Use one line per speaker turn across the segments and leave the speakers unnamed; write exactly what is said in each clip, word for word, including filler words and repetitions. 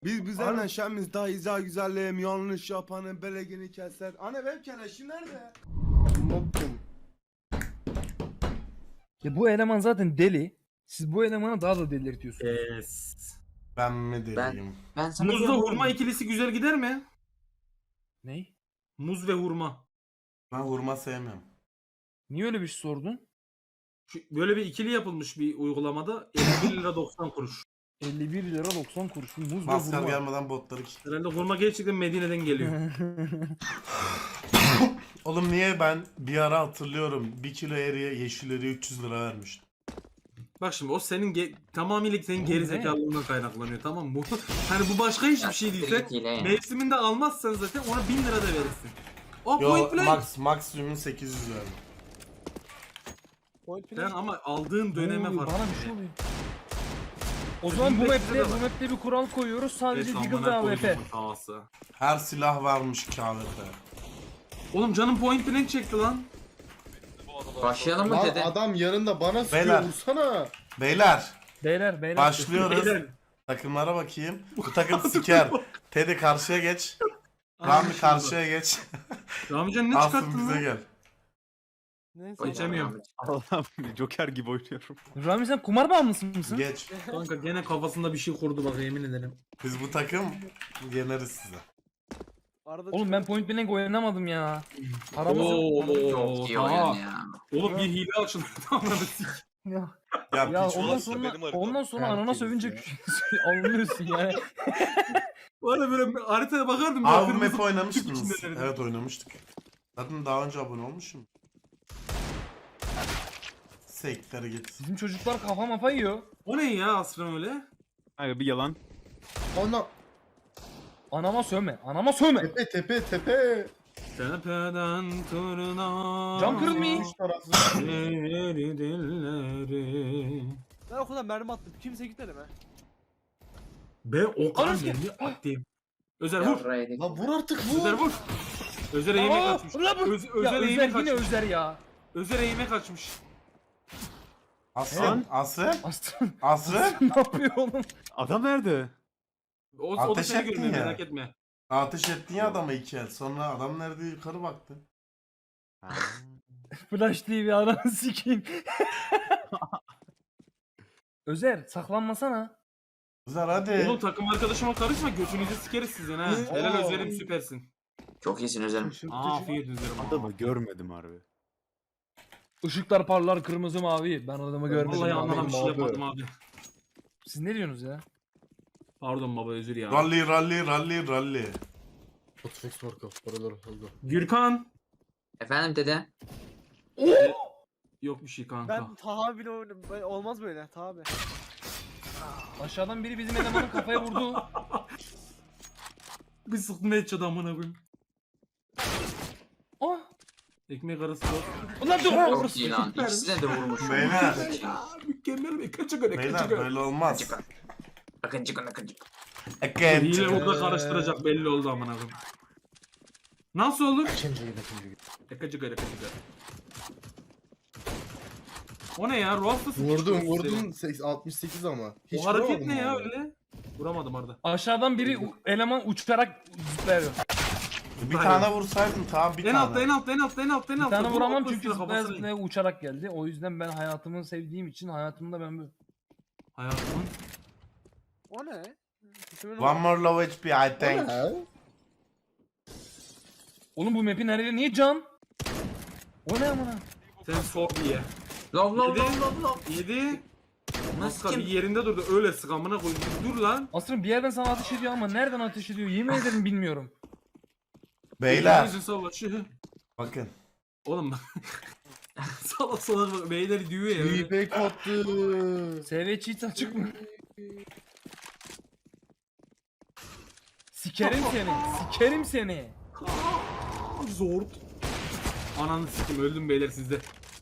Biz bizden şemiz daha izah güzelliğim yanlış yapanın belegini keser. Anne benim keleşim nerede? Moptum.
Ya bu eleman zaten deli. Siz bu elemanı daha da delirtiyorsunuz.
Yes.
Ben mi deliyim?
Ben sana
Muzla
diyorum
hurma
oğlum.
ikilisi güzel gider mi?
Ney?
Muz ve hurma.
Ben hurma sevmiyorum.
Niye öyle bir şey sordun?
Şu, böyle bir ikili yapılmış bir uygulamada elli bir lira doksan kuruş.
elli bir lira doksan kuruş. Muz ve
Maskar
hurma.
gelmeden botları kilitli.
Herhalde hurma gerçekten Medine'den geliyor.
Oğlum niye ben bir ara hatırlıyorum bir kilo eriye yeşil eriye üç yüz lira vermiştim.
Bak şimdi o senin ge- tamamıyla senin
Oğlum
geri
ne?
zekalılığından kaynaklanıyor, tamam mı? Bu hani bu başka hiçbir şey
siktir
değilse
git hile ya.
mevsiminde almazsan zaten ona bin lira da verirsin. O
Yo
point blank.
max, maksimum sekiz yüz verdim.
Sen ama aldığın döneme
Ne oluyor?
fark.
Bana bir şey oluyor. O zaman bu
Bizde
map'te,
de
bu
var.
map'te bir kural koyuyoruz. Sadece
Evet,
Deagle'da
amına
A W P.
koydum havası.
Her silah varmış K V P.
Oğlum canım point blank çekti lan.
Başlayalım mı
Lan
dede?
adam yanında bana sıkıyor,
Beyler.
vursana.
Beyler
Beyler beyler.
başlıyoruz.
Beyler.
Takımlara bakayım. Bu takım siker. Teddy karşıya geç. Rami
Anlaşıldı.
karşıya geç.
Ramican ne
Asım
çıkarttın
bize
lan?
gel.
Oynayalım
Geçemiyorum.
abi.
Allah'ım Joker gibi oynuyorum.
Rami sen kumar bağımlısı mısın?
Geç.
Kanka gene kafasında bir şey kurdu bak, yemin ederim.
Biz bu takım yeneriz size.
Oğlum ben point blank oynamadım ya. Paramız yok.
Oo,
Çok iyi
tamam.
oyun ya.
Oğlum bir hile açıldı. Tamam sik.
Ya,
Ya,
ya
piç
ondan
olası.
sonra
benim harita.
ondan sonra anana
Herkes
sövünce
ya.
anlıyorsun yani.
Bu arada böyle haritaya bakardım.
Abi bu
kırmızı
map oynamıştınız.
içinde verirdim.
Evet oynamıştık. Zaten daha önce abone olmuşum. Sektere git.
Bizim çocuklar kafa mafa yiyor.
O ne ya Aslan öyle?
Abi bir yalan.
Ona
Anama sövme. Anama sövme.
tepe tepe tepe.
Tepeden tırnağa.
Cam kırılmıyor.
Üç taraflı.
Eğri dilleri.
Ben okuldan mermi attım. Kimse gitmedi mi?
Be o kadar
Anasını-
mermi attım. Özer vur.
Yarraydık.
Lan vur artık
Özer
vur.
vur. Özer eğime
Aa,
kaçmış.
ulan bu-
Öz,
Ya
Özer
Özer
eğime
yine
kaçmış.
Özer ya.
Özer eğime kaçmış.
Asım, Asım,
Aslan,
Asım.
ne yapıyor oğlum?
Adam nerede?
O, o da
Ateş
seni
ettin
görmüyor,
ya.
merak etme.
Ateş ettin ya adama iki el. Sonra adam nerede yukarı baktı.
Flash T V ananı sikeyim. Özer saklanmasana.
Güzel hadi.
Oğlum takım arkadaşıma karışma, götünüzü sikeriz sizin ha. Helal
Aa.
Özer'im, süpersin.
Çok iyisin Özer'im.
Afiyet Özer'im.
Adamı görmedim harbi.
Işıklar parlar kırmızı mavi. Ben adamı görmedim.
Vallahi
abi.
anladım, bir şey
abi.
yapmadım abi.
Siz ne diyorsunuz ya?
Pardon baba, özür ya.
Rally rally rally rally.
Hotfix marka paraları aldı.
Gürkan.
Efendim dede?
Yok bir şey kanka.
Ben Taha bile oynadım. Ben- Olmaz böyle Taha abi.
Aşağıdan biri bizim elemanın kafaya vurdu.
Bir sıktım headshot amına koyayım.
Oh!
Ekmek arası yok.
Ulan dur!
Çok iyi lan. İkisine de vurmuş.
Beyler.
Mükemmel bir kaça göre kaça
Beyler
göre.
böyle olmaz.
Çıkar. Akın çıkın akın çıkın.
Again.
Hile orada karıştıracak belli oldu amına koyayım. Nasıl olur? Ekacı göre kaça göre. O ne ya? Ruhsuz.
Vurdum vurdum seks- altmış sekiz ama.
O hareket
vuramadım
ne ya
abi.
öyle? Vuramadım Arda.
Aşağıdan biri u- eleman uçarak zıplıyor.
Bir tane vursaydın tamam bir
En
tane.
altta en altta en altta en altta en
Bir
altta.
tane
Vur,
vuramam
orta
çünkü
üstüne
zıplaya
kafasına in.
zıplaya uçarak geldi. O yüzden ben hayatımı sevdiğim için hayatımda ben bu.
Hayatımın.
O ne? İsmin
One more low H P I think.
Ha?
Oğlum bu map'in her yeri niye can? O ne amına?
Sen sor diye.
Lov lov
Yedi.
lov lov lov.
Yedi.
Nasıl
Maska bir
kim?
yerinde durdu. Öyle sık amına koyayım. Dur lan.
Aslında bir yerden sana ateş ediyor ama nereden ateş ediyor yemin ederim bilmiyorum.
Beyler
Yüzün savaşı.
bakın.
Oğlum bak. Salak salak bak. Beyler diyor ya. öyle.
Feedback attı.
S V cheat açık mı? Sikerim seni. Sikerim seni.
Aa, Zor. Ananı sikim, öldüm beyler sizde.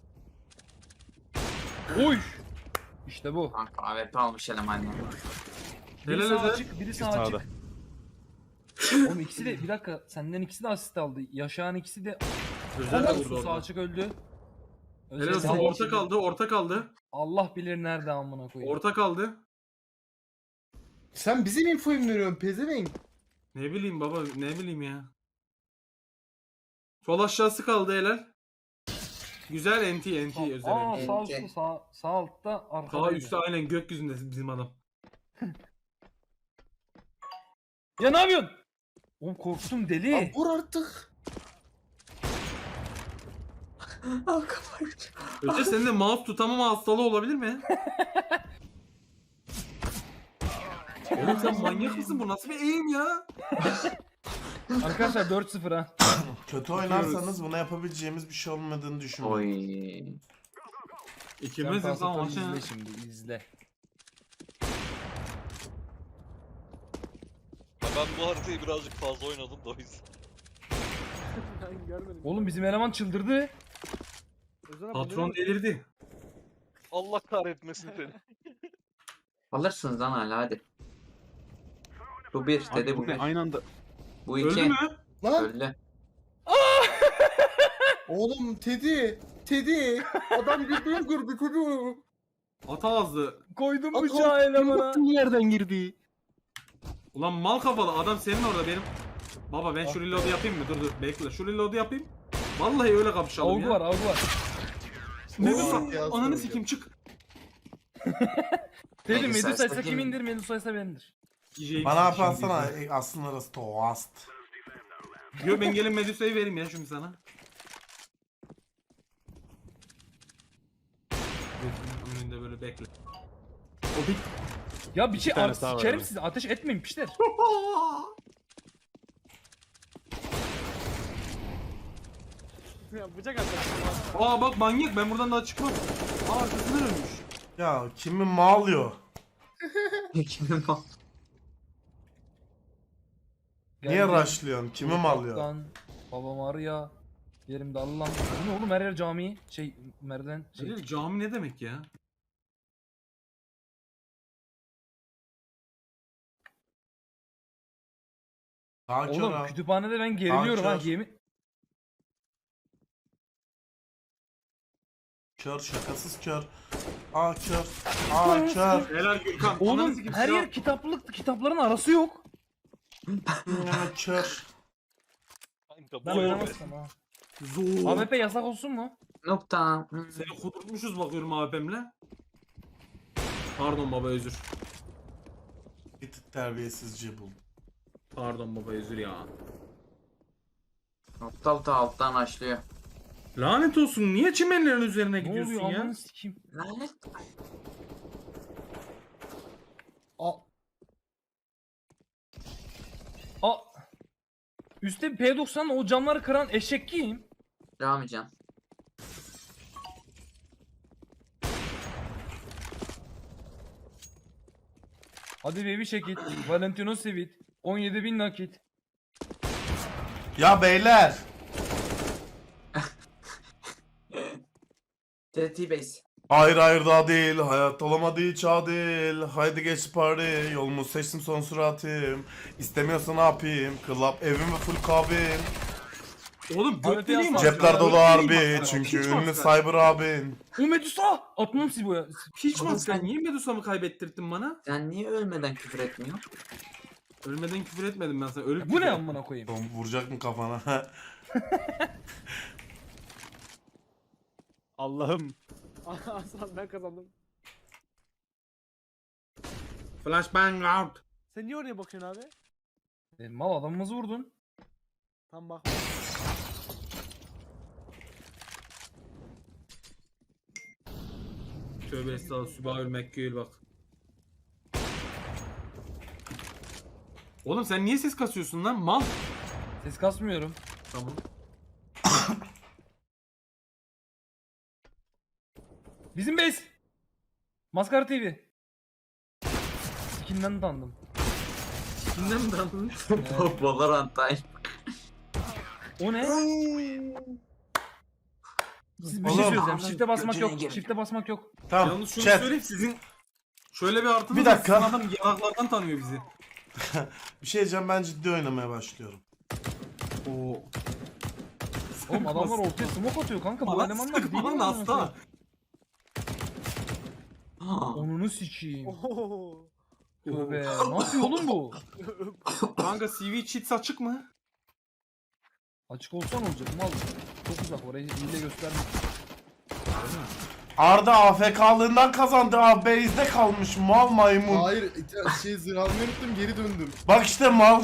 Oy. İşte bu.
Kanka A W P almış eleman ya.
Biri
Helal
sağ
Özer.
açık, biri sağ
Sağda.
açık. Oğlum ikisi de bir dakika senden ikisi de asist aldı. Yaşayan ikisi de
Özel de vurdu
Su sağ
orada.
açık öldü.
Helal
Özel
olsun,
sağ
orta
açık.
kaldı orta kaldı.
Allah bilir nerede amına koyayım.
Orta kaldı.
Sen bizim infoyu mu veriyorsun pezevenk?
Ne bileyim baba ne bileyim ya. Sol aşağısı kaldı helal. Güzel enti enti özel
Aa
enti.
sağ üstte sağ, sağ altta
Sağ
arkadaydı.
üstte aynen gökyüzünde bizim adam.
Ya ne yapıyorsun? Oğlum korktum deli.
Lan vur artık.
Öte senin de mouse tutamama hastalığı olabilir mi? Oğlum sen manyak mısın? Bu nasıl bir eğim ya?
Arkadaşlar dört sıfır ha.
Kötü oynarsanız buna yapabileceğimiz bir şey olmadığını düşünüyorum.
Oy.
İkimiz
Sen
de tamam
Pasator'u
aşağı.
izle şimdi izle.
Ya ben bu haritayı birazcık fazla oynadım da o yüzden.
Ben görmedim.
Oğlum bizim eleman çıldırdı.
Özel abi,
Patron
ne-
delirdi.
Allah kahretmesin seni.
Alırsınız lan hala hadi. Bu bir
Abi
dedi
bu
bu
ne?
bir.
Aynı anda.
Bu
Öldü
iki.
mü?
Lan
Öldü.
oğlum Teddy. Teddy. Adam birbirini kırdı Teddy.
Ata azdı.
Koydum
At-
bıçağı elemana.
Yerden girdi.
Ulan mal kafalı adam senin orada benim. Baba ben şu reload'u yapayım mı? Dur dur bekle şu reload'u yapayım. Vallahi öyle kapışalım
Avgu
ya.
var avgu var.
Medusa
Oo, ya,
ananı
soracağım.
sikeyim çık.
Dedim
Medusa
Medusa ise
ise
kimindir Medusa ise benimdir.
Bana yaparsana e, aslında orası toast.
Yo ben gelin Medusa'yı vereyim ya şimdi sana. Önünde böyle bekle. O bit.
Ya bir şey
tane
ar-
sağ var
sikerim
ama.
sizi ateş etmeyin pişler.
Ya bıçak atacak.
Aa bak manyak ben buradan daha çıkmam. Aa arkasından ölmüş.
Ya kimi mağlıyor?
Kimin o?
Niye
Geldim.
rushlıyorsun? Kimi mağlıyor?
Kaptan, babam arıyor. Yerimde Allah'ım. Bu ne oğlum her yer cami. Şey merdiven şey.
Şey, cami ne demek ya?
Daha kör
Oğlum
ha.
kütüphanede ben geriliyorum ha
kör.
yemin.
Kör şakasız kör. Aa kör. Aa kör.
Helal Gürkan. Ananı
Oğlum
sikeyim,
her
silah-
yer kitaplık kitapların arası yok.
Aa, kör.
Kanka bu
Ben
oyun-
oynamazsam ha.
Zor.
A W P yasak olsun mu?
Nokta. Hmm.
Seni kudurtmuşuz bakıyorum A W P'mle. Pardon baba özür.
Bir tık terbiyesizce buldum.
Pardon baba özür ya.
Nokta altı alttan açlıyor.
Lanet olsun niye çimenlerin üzerine
Ne
gidiyorsun
oluyor
ya?
amanı sikeyim.
Lanet.
A. A. Üstte P doksan o camları kıran eşek kim?
Ramican.
Hadi baby şekil. Valentino Sivit. on yedi bin nakit.
Ya beyler.
T T base.
Hayır hayır daha değil. Hayat olamadığı çağ değil. Haydi geç party. Yolumu seçtim son süratim. İstemiyorsa ne yapayım? Club evim ve full kabin.
Oğlum
Abi
göt deliği mi
piyasa-
atıyor
Cepler
ya?
dolu
Göt
harbi.
deliği mi atıyor?
Çünkü
Hiç
ünlü
maskar.
cyber abin.
O Medusa! Atmam Sibo'ya.
Hiç
Oğlum
maskar.
sen-
Niye Medusa'mı kaybettirdin bana?
Sen niye ölmeden küfür etmiyorsun?
Ölmeden küfür etmedim ben sana. Ölüp
Bu ne
küfür-
amına koyayım?
Oğlum vuracak mı kafana?
Allah'ım.
Aslan ben kazandım.
Flashbang out.
Sen niye oraya bakıyorsun abi?
E, mal adamımızı vurdun.
Tam bak.
Tövbe estağfurullah. Sübahül Mekkül bak. Oğlum sen niye ses kasıyorsun lan mal?
Ses kasmıyorum.
Tamam.
Bizim base. Maskara T V. Skinden tanıdım.
Kimden mi daldın?
Valorant time.
O ne? Siz bir
Oğlum.
şey söyleyeceğim. Shift'e basmak
Götüne
yok.
gir.
Shift'e basmak yok.
Tamam.
Yalnız şunu
Chat.
söyleyeyim sizin şöyle bir artınız
Bir
var,
dakika.
sizin adam yanaklardan tanıyor bizi.
Bir şey diyeceğim, ben ciddi oynamaya başlıyorum.
Oo.
Oğlum adamlar ortaya smoke atıyor kanka. Bu
Bana
elemanlar
sık
değil
bana
mi
hasta.
Onunu sikeyim.
Oho.
Tövbe. Ne yapıyor oğlum bu?
Kanka C V cheats açık mı?
Açık olsa ne olacak mal? Çok uzak orayı hile göstermek.
Arda A F K'lığından kazandı abi. Base'de kalmış mal maymun.
Hayır ite- şey zırh almayı unuttum geri döndüm.
Bak işte mal.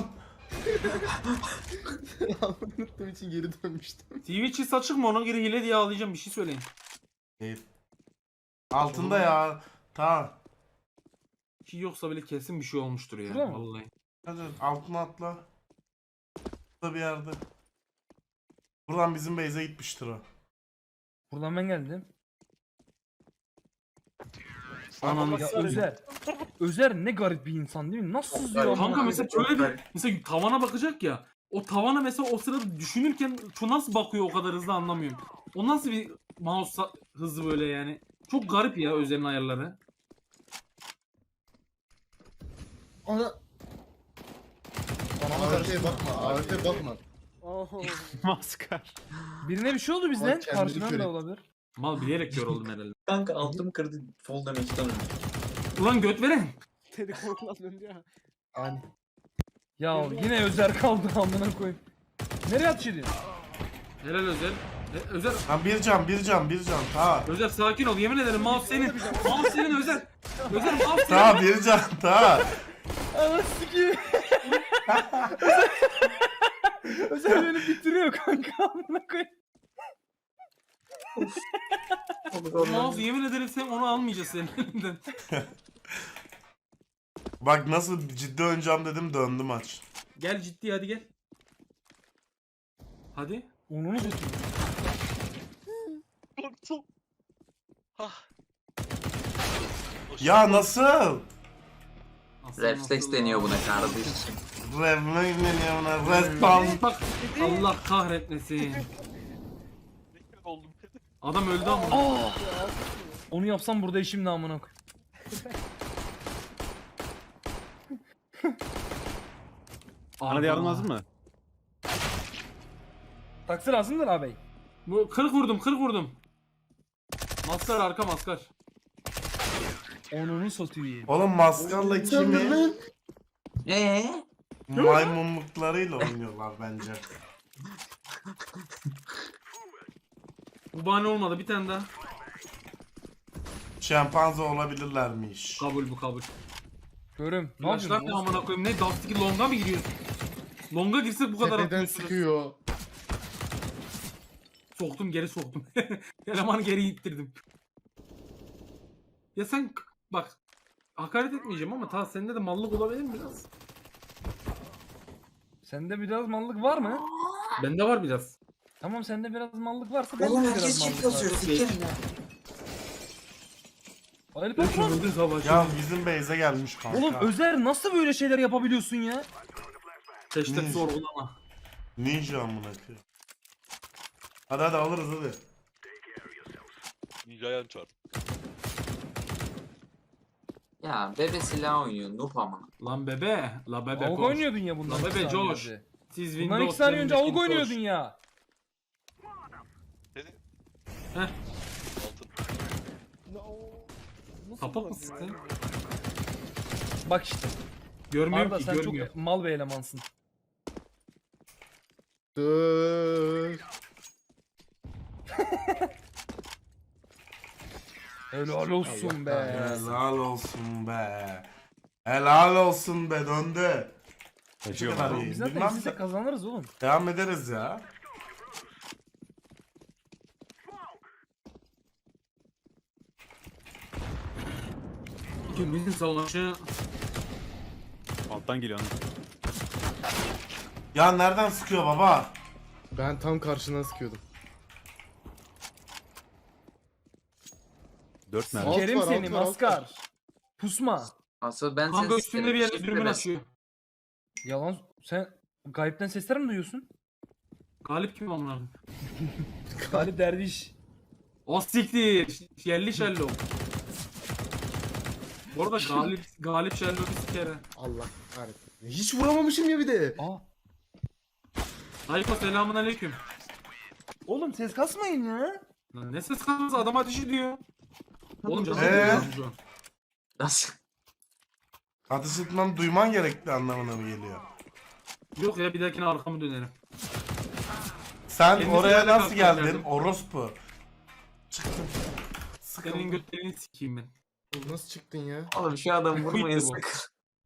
Zırh almayı unuttuğum için geri dönmüştüm.
C V cheats açık mı? Ona göre hile diye ağlayacağım. Bir şey söyleyin.
Değil. Altında ya. Tamam.
Ki yoksa bile kesin bir şey olmuştur ya.
Şurada mı?
Vallahi.
Hadi altına atla. Burada bir yerde. Buradan bizim base'e gitmiştir o.
Buradan ben geldim.
Ananı
Ya
s-
Özer. Özer ne garip bir insan değil mi? Nasıl sızıyor ama?
Kanka mesela şöyle bir mesela tavana bakacak ya. O tavana mesela o sırada düşünürken şu nasıl bakıyor o kadar hızlı anlamıyorum. O nasıl bir mouse sa- hızı böyle yani. Çok garip ya Özer'in ayarları.
Ana.
Bana
A
bak.
W P'ye bakma. A W P'ye bakma.
Oho.
Maskar.
Birine bir şey oldu bizden.
Bak kendini
Karşıdan
kör
da
et.
olabilir.
Mal bilerek kör oldum herhalde.
Kanka altım kırdı fall damage'den öldü.
Ulan göt veren.
Teddy korkulan döndü ya.
Aynen.
Ya yine Özer kaldı amına koyayım. Nereye atış ediyorsun?
Helal Özer. E, Özer,
Ha bir can bir can bir can. Ta.
Özer sakin ol. Yemin ederim mouse senin. Mouse senin Özer. Özer mouse senin.
Ta bir can ta.
Anasını ki. Özer beni bitiriyor kanka amına koyayım.
Mouse yemin ederim sen onu almayacağız senin elinden.
Bak nasıl ciddi oynayacağım dedim döndü maç.
Gel ciddi hadi gel. Hadi.
Onunu satayım.
Korktum. Hah.
Ya nasıl?
Aslan
Refleks
aslan.
deniyor buna kardeşim.
Revne ne buna? Respawn.
Bak Allah kahretmesin.
oldum.
Adam öldü ama.
Aa! Onu yapsam burada işim ne amına koyayım.
Bana da yardım lazım mı?
Taksi lazımdır ağabey.
Bu kırk vurdum kırk vurdum. Maskar arka maskar.
Onunu satayım.
Oğlum maskarla kimi
Eee?
maymunluklarıyla oynuyorlar bence.
Bu bahane olmadı bir tane daha.
Şempanze olabilirlermiş.
Kabul bu kabul.
Görüm. Ne
Yaşlar ne
yapıyorsun?
amına koyayım ne Dust'taki longa mı giriyorsun? Longa girsek bu kadar
Tepeden
atmıyorsunuz.
sıkıyor.
Soktum geri soktum. Elemanı geri ittirdim. Ya sen k- bak hakaret etmeyeceğim ama ta sende de mallık olabilir mi biraz?
Sende biraz mallık var mı?
Bende var biraz.
Tamam sende biraz mallık varsa bende
Oğlum
de
herkes
biraz
çift
mallık
yazıyor
var.
sikerim ya.
Ali patron.
Öldü savaş.
Ya bizim base'e gelmiş kanka.
Oğlum Özer nasıl böyle şeyler yapabiliyorsun ya?
Hashtag
Ne?
sorgulama.
Ninja amına koyayım. Hadi hadi alırız hadi.
Ninja'ya çarp.
Ya bebe silah oynuyor noob ama.
Lan bebe. La bebe
Avuk
koş.
oynuyordun ya bundan.
Lan
iki
bebe
saniye
Josh.
önce.
Siz
Bundan
Windows
iki saniye önce
seven
avuk
Macintosh.
oynuyordun ya.
Dedi.
Heh.
Altın.
No. Nasıl
Sapık
bulamıyor
mısın
ya?
sen?
Bak işte.
Görmüyorum
Arda
ki
sen
görmüyor.
çok mal bir elemansın.
Dur.
Helal olsun be.
Helal olsun be. Helal olsun be döndü.
Taşıyor
kadar
bana.
iyi.
Biz zaten
Bilmem
ikisi de
de-
kazanırız oğlum.
Devam ederiz ya.
İkimizin savaşı.
Alttan geliyor.
Ya nereden sıkıyor baba?
Ben tam karşına sıkıyordum.
Dört mermi.
Alt
Kerim
var,
seni
alt var, alt
maskar. Pusma.
Asıl ben
Kanka
seni
üstünde bir yerde dürbün açıyor.
Yalan. Sen gayipten sesler mi duyuyorsun?
Galip kim amına?
Galip derviş.
O siktir. Yerli Sherlock. Bu arada Galip Galip Sherlock'u sikere.
Allah kahretsin. Hiç vuramamışım ya bir de.
Aa.
Hayko selamun aleyküm.
Oğlum ses kasmayın ya.
Lan ne ses kalması adam ateş ediyor. Oğlum canım
Ee?
şu an.
Nasıl?
Ateş etmem duyman gerekli anlamına mı geliyor?
Yok ya bir dahakine arkamı dönerim.
Sen
Kendisi
oraya
nerede
nasıl
kalktı
geldin?
geldim.
Orospu. Çıktım.
Senin
Sıkıldım.
götlerini sikeyim ben.
Nasıl çıktın ya?
Oğlum şu adam vurmayın
bu.
sakın.